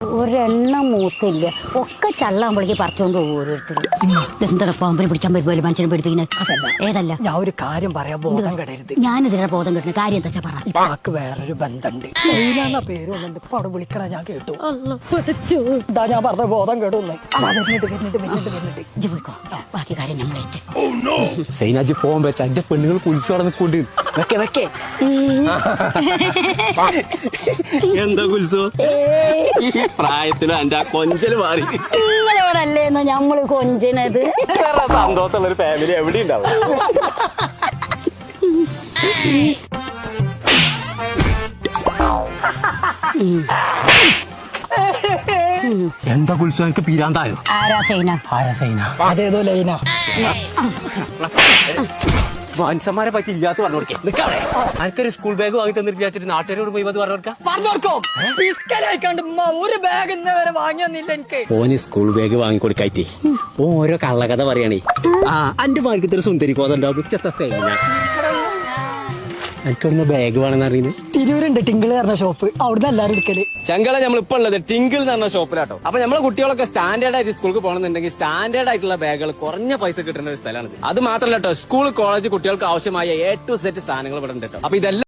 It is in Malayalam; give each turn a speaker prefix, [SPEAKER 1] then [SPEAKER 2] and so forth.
[SPEAKER 1] ഒരെണ്ണം മൂത്തില്ല, ഒക്കെ ചള്ളാകുമ്പോഴേക്ക് പറിച്ചോണ്ട് പോകും ഓരോരുത്തർ. എന്താണ് പാമ്പിനെ പിടിച്ചാൻ പറ്റുമല്ലോ മനുഷ്യനെ പിടിപ്പിക്കുന്നത്? ഏതല്ല,
[SPEAKER 2] ഞാൻ ഒരു കാര്യം പറയാം, ബോധം കെടരുത്.
[SPEAKER 1] ഞാനിതിനെ ബോധം കിട്ടുന്ന കാര്യം എന്താ പറ.
[SPEAKER 2] ഇപ്പാക്ക് വേറൊരു ബന്ധമുണ്ട്, സൈന പേര് വന്നിട്ട് ഇപ്പൊ അവിടെ വിളിക്കണ ഞാൻ കേട്ടു. എന്താ ഞാൻ പറഞ്ഞ ബോധം കേടുന്നേ.
[SPEAKER 1] ഇജ്ജ് പോയിക്കോ, ബാക്കി കാര്യം നമ്മളേറ്റ്.
[SPEAKER 3] സൈനാജി ഫോൺ വെച്ച എന്റെ പെണ്ണുങ്ങൾ കുളിച്ചു നടന്നിക്കൊണ്ട് എന്താ കുൽസോ ഈ പ്രായത്തിലും എന്റെ ആ കൊഞ്ചല് മാറി.
[SPEAKER 1] നിങ്ങളോടല്ലേന്നോ ഞമ്മള് കൊഞ്ചിനത്?
[SPEAKER 3] സന്തോഷമുള്ള ഒരു ഫാമിലി എവിടെ ഉണ്ടാവും. എന്താ കുൽസോ എനിക്ക് പീരാന്തായോ?
[SPEAKER 1] ആരാ സൈന?
[SPEAKER 3] ആരാ സൈന?
[SPEAKER 2] അതേതോ ലൈന.
[SPEAKER 3] മനുഷ്യന്മാരെ പറ്റി ഇല്ലാത്ത പറഞ്ഞു കൊടുക്കേ. നിക്കാവേ, എനിക്കൊരു സ്കൂൾ ബാഗ് വാങ്ങി തന്നിട്ട് വിചാരിച്ചിട്ട് നാട്ടുകാരോട് പോയി അത് പറഞ്ഞു കൊടുക്കാം.
[SPEAKER 2] ഒരു ബാഗ് ഇന്ന് വരെ വാങ്ങിയൊന്നില്ല എനിക്ക്.
[SPEAKER 3] ഓന് സ്കൂൾ ബാഗ് വാങ്ങി കൊടുക്കായിട്ടേ ഓരോ കള്ളകഥ പറയണേ. ആ എന്റെ മാർക്കത്തിൽ ഒരു സുന്ദരി കോതുണ്ടാവും. എനിക്കൊന്ന് ബാഗ് വേണമെന്ന് അറിയുന്നത്.
[SPEAKER 2] തിരൂരുണ്ട് ടിങ്കിള് പറഞ്ഞ ഷോപ്പ്, അവിടുന്ന് എല്ലാരും എടുക്കല്.
[SPEAKER 3] ചങ്കള നമ്മളിപ്പോ ഉള്ളത് ടിങ്കിൾ എന്ന് പറഞ്ഞ ഷോപ്പിലാട്ടോ. അപ്പൊ നമ്മളെ കുട്ടികളൊക്കെ സ്റ്റാൻഡേർഡ് ആയിട്ട് സ്കൂളിൽ പോകണമെന്നുണ്ടെങ്കിൽ സ്റ്റാൻഡേർഡ് ആയിട്ടുള്ള ബാഗുകൾ കുറഞ്ഞ പൈസ കിട്ടുന്ന ഒരു സ്ഥലമാണ്. അത് മാത്രമല്ല കേട്ടോ, സ്കൂൾ കോളേജ് കുട്ടികൾക്ക് ആവശ്യമായ A to Z സാധനങ്ങൾ ഇവിടെ ഉണ്ട് കേട്ടോ. അപ്പൊ ഇതെല്ലാം